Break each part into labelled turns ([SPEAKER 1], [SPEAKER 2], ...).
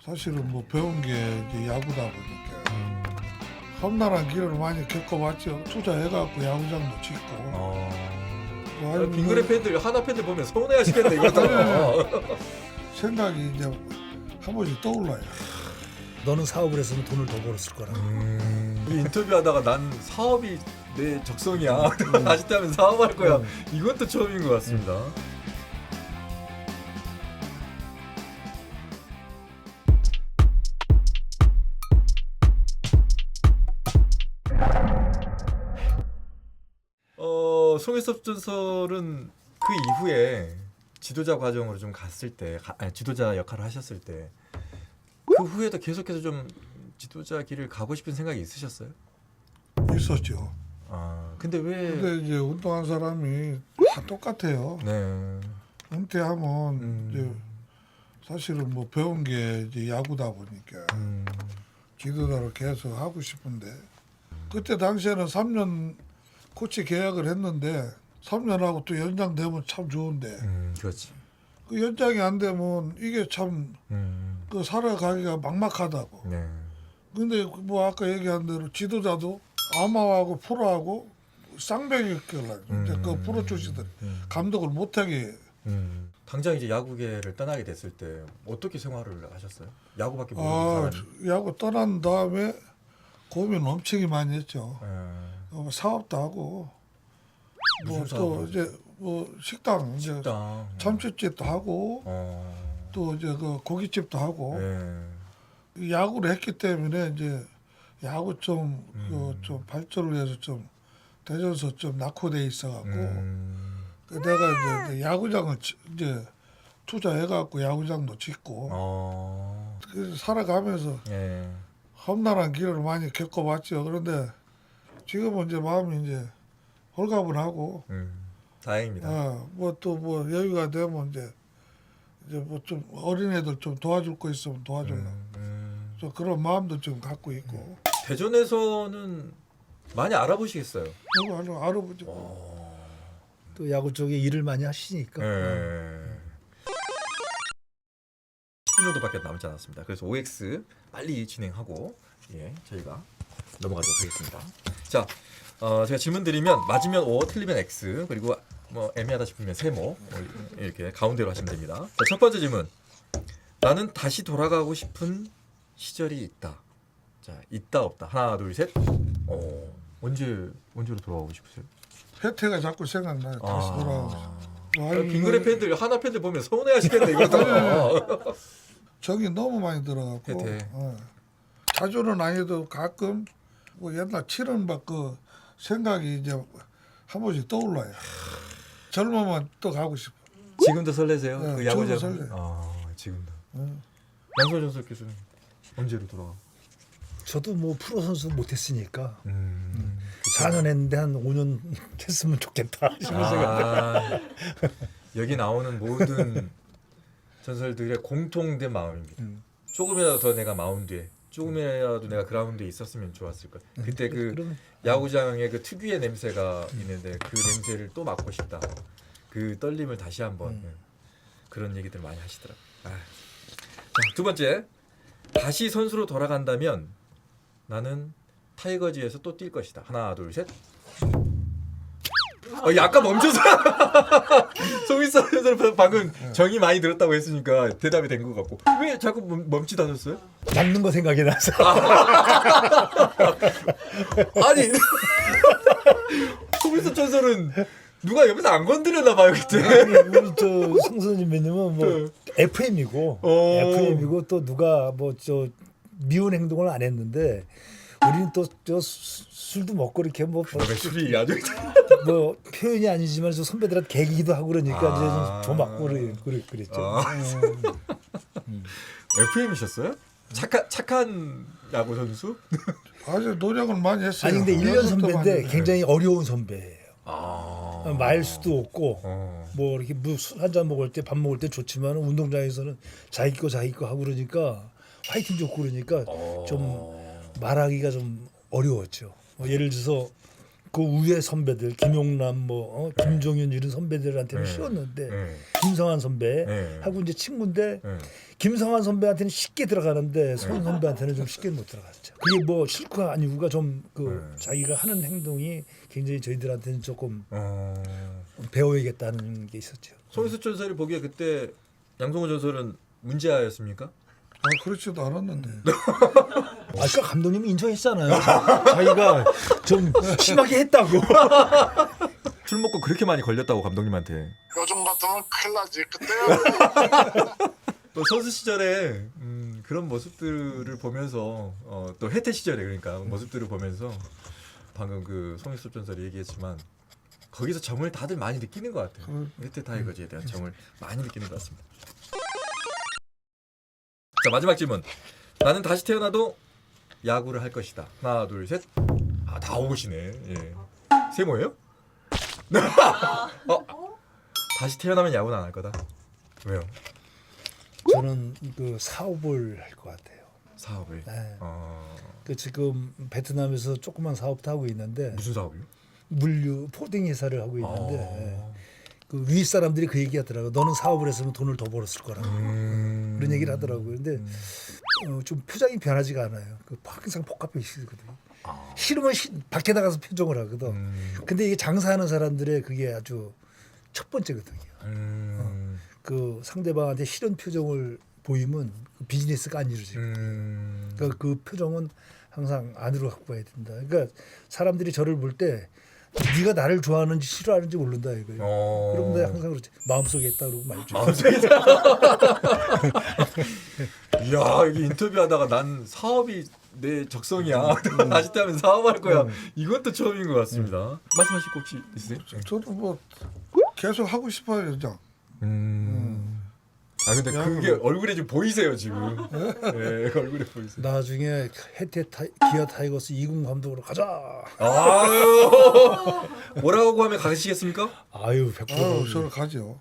[SPEAKER 1] 사실은 뭐 배운 게 이제 야구다 보니까 험난한 길을 많이 겪어봤죠. 투자해갖고 야구장도 짓고. 뭐 아니,
[SPEAKER 2] 빙그레 팬들 하나 팬들 보면 서운해하시겠네 이거다.
[SPEAKER 1] 생각이 이제 한 번씩 떠올라요.
[SPEAKER 3] 너는 사업을 했으면 돈을 더 벌었을 거라.
[SPEAKER 2] 우리 인터뷰하다가 난 사업이 내 적성이야. 다시 하면 사업할 거야. 이건 또 처음인 것 같습니다. 송혜섭 전설은 그 이후에 지도자 과정으로 좀 갔을 때, 지도자 역할을 하셨을 때, 그 후에도 계속해서 좀 지도자 길을 가고 싶은 생각이 있으셨어요?
[SPEAKER 1] 있었죠.
[SPEAKER 2] 근데 왜?
[SPEAKER 1] 근데 이제 운동한 사람이 다 똑같아요.
[SPEAKER 2] 네.
[SPEAKER 1] 은퇴하면 이제 사실은 뭐 배운 게 이제 야구다 보니까 지도자로 계속 하고 싶은데 그때 당시에는 3년 코치 계약을 했는데 3년하고 또 연장되면 참 좋은데
[SPEAKER 2] 그렇지.
[SPEAKER 1] 그 연장이 안 되면 이게 참 그 살아가기가 막막하다고.
[SPEAKER 2] 네.
[SPEAKER 1] 근데 뭐 아까 얘기한 대로 지도자도 아마하고 프로하고 쌍벽이 껴라. 이제 그 프로 출신들 감독을 못하게.
[SPEAKER 2] 당장 이제 야구계를 떠나게 됐을 때 어떻게 생활을 하셨어요? 야구밖에 모르는 사람이.
[SPEAKER 1] 야구 떠난 다음에 고민 엄청 많이 했죠. 사업도 하고 뭐
[SPEAKER 2] 무슨
[SPEAKER 1] 또
[SPEAKER 2] 사업을
[SPEAKER 1] 이제 뭐 식당 이제
[SPEAKER 2] 식당.
[SPEAKER 1] 참치집도 하고 또 이제 그 고깃집도 하고 야구를 했기 때문에 이제 야구 좀 좀 발전을 해서 좀 대전서 좀 낙후돼 있어갖고 그 내가 이제 야구장을 이제 투자해갖고 야구장도 짓고 그래서 살아가면서 험난한 길을 많이 겪어봤죠. 그런데 지금은 이제 마음이 이제 홀가분하고
[SPEAKER 2] 다행입니다.
[SPEAKER 1] 뭐 또 뭐 여유가 되면 이제 뭐 좀 어린애들 좀 도와줄 거 있으면 도와주려고 좀 그런 마음도 좀 갖고 있고.
[SPEAKER 2] 대전에서는 많이 알아보시겠어요?
[SPEAKER 1] 이거 알아보죠.
[SPEAKER 3] 또 야구 쪽에 일을 많이 하시니까.
[SPEAKER 2] 10년도밖에 남지 않았습니다. 그래서 OX 빨리 진행하고 저희가 넘어가도록 하겠습니다. 자, 제가 질문 드리면 맞으면 O, 틀리면 X, 그리고 뭐 애매하다 싶으면 세모 이렇게 가운데로 하시면 됩니다. 자, 첫 번째 질문. 나는 다시 돌아가고 싶은 시절이 있다. 자, 있다 없다. 하나, 둘, 셋. 언제로 돌아가고 싶으세요?
[SPEAKER 1] 혜태가 자꾸 생각나요. 다시 돌아가서.
[SPEAKER 2] 빙그레 팬들 하나 팬들 보면 서운해하시겠네 이거다.
[SPEAKER 1] 정이 너무 많이 들어갖고.
[SPEAKER 2] 혜태.
[SPEAKER 1] 자주는 아니어도 가끔 뭐 옛날 치른박 그 생각이 이제 한 번씩 떠올라요. 젊으면 또 가고 싶어.
[SPEAKER 2] 지금도 설레세요?
[SPEAKER 1] 네,
[SPEAKER 2] 그 야구장.
[SPEAKER 1] 지금도 설레요.
[SPEAKER 2] 지금도. 양소연 전설 교수님 언제로 돌아가?
[SPEAKER 3] 저도 뭐 프로 선수 못했으니까 4년 했는데 한 5년 했으면 좋겠다 싶은 생각.
[SPEAKER 2] 여기 나오는 모든 전설들의 공통된 마음입니다. 조금이라도 더 내가 마운드에, 조금이라도 내가 그라운드에 있었으면 좋았을 거야. 그때 그 야구장의 그 특유의 냄새가 있는데 그 냄새를 또 맡고 싶다. 그 떨림을 다시 한번 그런 얘기들 많이 하시더라고요. 자, 두 번째. 다시 선수로 돌아간다면 나는 타이거즈에서 또 뛸 것이다. 하나, 둘, 셋. 약간 멈춰서 송일선 선수 방금 정이 많이 들었다고 했으니까 대답이 된 것 같고 왜 자꾸 멈칫하셨어요?
[SPEAKER 3] 남는 거 생각이 나서.
[SPEAKER 2] 아니 송일선 전설은 누가 옆에서 안 건드렸나 봐요 그때.
[SPEAKER 3] 우리 저 성선님은 뭐 FM이고 또 누가 뭐 저 미운 행동을 안 했는데 우리는 또 저 술도 먹고 이렇게 뭐
[SPEAKER 2] 술이 아주
[SPEAKER 3] 뭐 표현이 아니지만 저 선배들한테 개기기도 하고 그러니까 이제 좀 맞고 그랬죠.
[SPEAKER 2] FM이셨어요? 착한 야구 선수?
[SPEAKER 1] 아주 노력을 많이 했어요.
[SPEAKER 3] 아니 근데 1년 선배인데 굉장히 어려운 선배예요. 말 수도 없고 뭐 이렇게 술 한잔 먹을 때 밥 먹을 때 좋지만 운동장에서는 자기 거 하고 그러니까 화이팅 좋고 그러니까 좀 말하기가 좀 어려웠죠. 뭐 예를 들어서 그 우회 선배들 김용남 뭐 김종윤 이런 선배들한테는 쉬웠는데 김성환 선배 하고 이제 친구인데 김성환 선배한테는 쉽게 들어가는데 손 선배한테는 좀 쉽게 못 들어갔죠. 그게 뭐 싫고 아니고가 좀 그 자기가 하는 행동이 굉장히 저희들한테는 조금 배워야겠다는 게 있었죠.
[SPEAKER 2] 송희섭 전설이 보기에 그때 양성호 전설은 문제아였습니까?
[SPEAKER 1] 그렇지도 않았는데.
[SPEAKER 3] 아까 감독님이 인정했잖아요. 자기가 좀 심하게 했다고.
[SPEAKER 2] 술 먹고 그렇게 많이 걸렸다고 감독님한테.
[SPEAKER 4] 요즘 같으면 큰일 나지. 그때야
[SPEAKER 2] 또 선수 시절에 그런 모습들을 보면서 또 혜태 시절에 그러니까 모습들을 보면서 방금 그 송희섭 전설이 얘기했지만 거기서 정을 다들 많이 느끼는 것 같아요. 혜태 타이거즈에 대한 정을 많이 느끼는 것 같습니다. 자, 마지막 질문. 나는 다시 태어나도 야구를 할 것이다. 하나, 둘, 셋. 다 오시네. 예. 세모예요? 다시 태어나면 야구는 안 할 거다. 왜요?
[SPEAKER 3] 저는 그 사업을 할 것 같아요.
[SPEAKER 2] 사업을.
[SPEAKER 3] 네. 그 지금 베트남에서 조그만 사업도 하고 있는데
[SPEAKER 2] 무슨 사업이요?
[SPEAKER 3] 물류 포딩 회사를 하고 있는데 그 위 사람들이 그 얘기하더라고. 너는 사업을 했으면 돈을 더 벌었을 거라고 그런 얘기를 하더라고요. 근데 좀 표정이 변하지가 않아요. 그 항상 복합해 있거든요. 싫으면 밖에 나가서 표정을 하거든. 근데 이게 장사하는 사람들의 그게 아주 첫 번째거든요. 그 상대방한테 싫은 표정을 보이면 그 비즈니스가 안 이루어져요. 그러니까 그 표정은 항상 안으로 갖고 와야 된다. 그러니까 사람들이 저를 볼 때 네가 나를 좋아하는지 싫어하는지 모른다 이거예요. 그럼 내가 항상 그렇지. 마음속에 있다 그러고 말죠.
[SPEAKER 2] 마음속에 있다. 이야, 이게 인터뷰하다가 난 사업이 내 적성이야. 다시 때하면 사업할 거야. 이건 또 처음인 것 같습니다. 말씀하실 거 혹시 있으세요?
[SPEAKER 1] 저도 뭐 계속 하고 싶어요, 그냥.
[SPEAKER 2] 근데 그게 얼굴에 좀 보이세요 지금. 네, 얼굴에 보이세요.
[SPEAKER 3] 나중에 혜태 기아 타이거스 2군 감독으로 가자.
[SPEAKER 2] 아유, 뭐라고 하면 가시겠습니까?
[SPEAKER 3] 아유 100%.
[SPEAKER 1] 저는 가죠.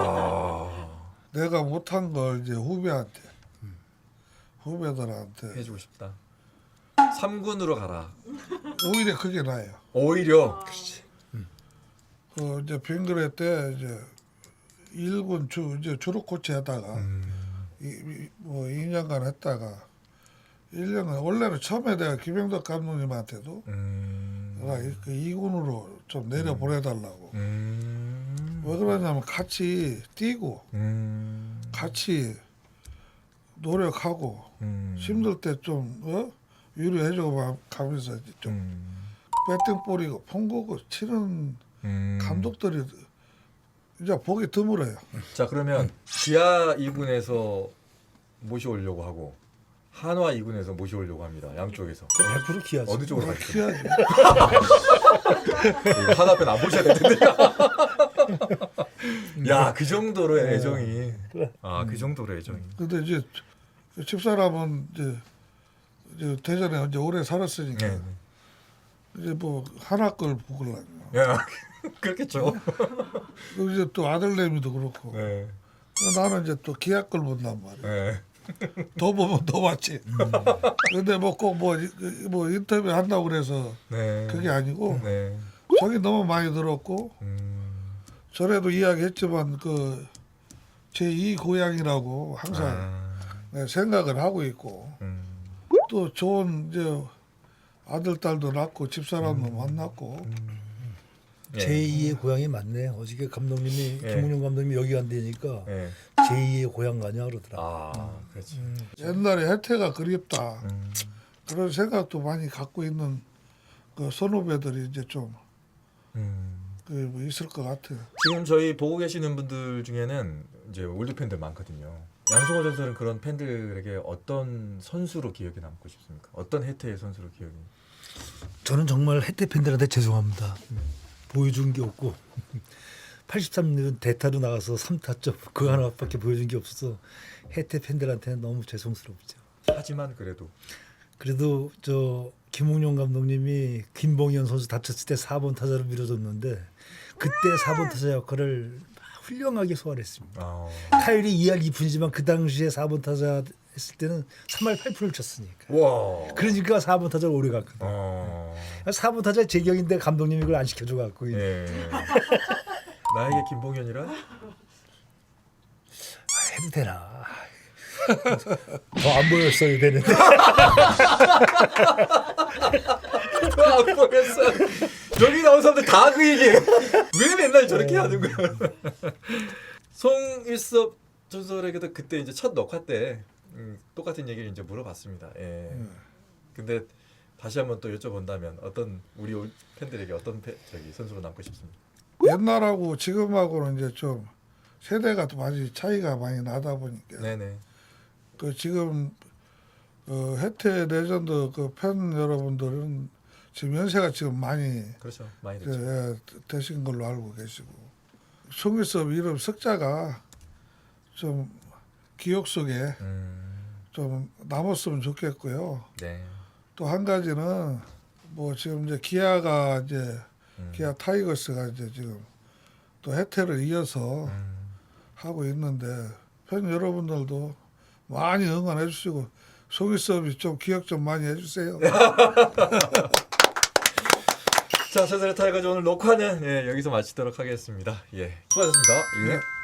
[SPEAKER 1] 내가 못한 걸 이제 후배들한테
[SPEAKER 2] 해주고 싶다. 3군으로 가라.
[SPEAKER 1] 오히려 그게 나아요.
[SPEAKER 2] 오히려.
[SPEAKER 1] 그 이제 빙그레 때 이제 1군 이제 주루 코치 하다가 뭐 2년간 했다가 1년간 원래는 처음에 내가 김영덕 감독님한테도 그 2군으로 좀 내려 보내달라고. 왜 그러냐면 같이 뛰고 같이 노력하고 힘들 때 좀 위로해주고 가면서 이제 좀 배팅 뿌리고 펑고고 치는 감독들이 이제 보기 드물어요.
[SPEAKER 2] 자, 그러면 기아 2군에서 모셔오려고 하고 한화 2군에서 모셔오려고 합니다. 양쪽에서.
[SPEAKER 3] 100% 기아죠.
[SPEAKER 2] 어느 쪽으로 가시죠?
[SPEAKER 1] 키야지.
[SPEAKER 2] 하나 앞에 안 보셔야 될 텐데. 야, 그 정도로 애정이. 그 정도로 애정이.
[SPEAKER 1] 근데 이제 집사람은 이제 대전에 이제 오래 살았으니까
[SPEAKER 2] 네.
[SPEAKER 1] 이제 뭐 하나 걸 보려고.
[SPEAKER 2] 야, 그렇겠죠.
[SPEAKER 1] 그리고 이제 또 아들내미도 그렇고.
[SPEAKER 2] 네.
[SPEAKER 1] 나는 이제 또 기아 걸 본단 말이야.
[SPEAKER 2] 네.
[SPEAKER 1] 더 보면 더 맞지. 근데 뭐 꼭 뭐 인터뷰 한다고 그래서
[SPEAKER 2] 네.
[SPEAKER 1] 그게 아니고
[SPEAKER 2] 네.
[SPEAKER 1] 저기 너무 많이 들었고 전에도 이야기했지만 그 제2 고향이라고 항상 생각을 하고 있고 또 좋은 이제 아들 딸도 낳고 집사람도 만났고
[SPEAKER 3] 제2의 고향이 맞네. 어저께 감독님이 김웅룡 감독님이 여기 간다니까 제2의 고향 가냐 그러더라.
[SPEAKER 2] 그렇지.
[SPEAKER 1] 옛날에 혜태가 그립다 그런 생각도 많이 갖고 있는 그 선후배들이 이제 좀 뭐 있을 것 같아요.
[SPEAKER 2] 지금 저희 보고 계시는 분들 중에는 이제 올드 팬들 많거든요. 양성호 전설은 그런 팬들에게 어떤 선수로 기억에 남고 싶습니까? 어떤 혜태의 선수로 기억이?
[SPEAKER 3] 저는 정말 혜태 팬들한테 죄송합니다. 보여준 게 없고 83년 대타로 나가서 3타점 그거 하나밖에 보여준 게 없어서 혜태 팬들한테는 너무 죄송스럽죠.
[SPEAKER 2] 하지만 그래도
[SPEAKER 3] 저 김웅룡 감독님이 김봉현 선수 다쳤을 때 4번 타자로 밀어줬는데 그때 4번 타자 역할을 훌륭하게 소화했습니다. 타율이 2할 2푼이지만 그 당시에 4번 타자의 했을 때는 3할 8푼을 쳤으니까.
[SPEAKER 2] 와.
[SPEAKER 3] 그러니까 4번 타자를 오래 갔거든.
[SPEAKER 2] 어.
[SPEAKER 3] 4번 타자 제격인데 감독님이 그걸 안 시켜줘 갖고.
[SPEAKER 2] 예. 나에게 김봉현이라?
[SPEAKER 3] 해도 되나. 더 안 보였어야 되는데.
[SPEAKER 2] 안 보였어. 여기 나온 사람들 다 그 얘기해. 왜 맨날 저렇게 하는 거야? 송일섭 전설에게도 그때 이제 첫 녹화 때 똑같은 얘기를 이제 물어봤습니다. 예. 근데 다시 한번 또 여쭤본다면 어떤 우리 팬들에게 어떤 선수로 남고 싶습니다.
[SPEAKER 1] 옛날하고 지금하고는 이제 좀 세대가 또 많이 차이가 많이 나다 보니까
[SPEAKER 2] 네네.
[SPEAKER 1] 그 지금 해태 레전드 그 팬 여러분들은 지금 연세가 지금 많이
[SPEAKER 2] 그렇죠. 많이
[SPEAKER 1] 이제,
[SPEAKER 2] 됐죠.
[SPEAKER 1] 되신 걸로 알고 계시고 송일섭 이름 석자가 좀 기억 속에 좀 남았으면 좋겠고요.
[SPEAKER 2] 네.
[SPEAKER 1] 또 한 가지는 뭐 지금 이제 기아가 이제 기아 타이거스가 이제 지금 또 해태를 이어서 하고 있는데 팬 여러분들도 많이 응원해 주시고 송일섭이 좀 기억 좀 많이 해주세요.
[SPEAKER 2] 자, 전설의 타이거즈 오늘 녹화는 여기서 마치도록 하겠습니다. 예, 수고하셨습니다. 예.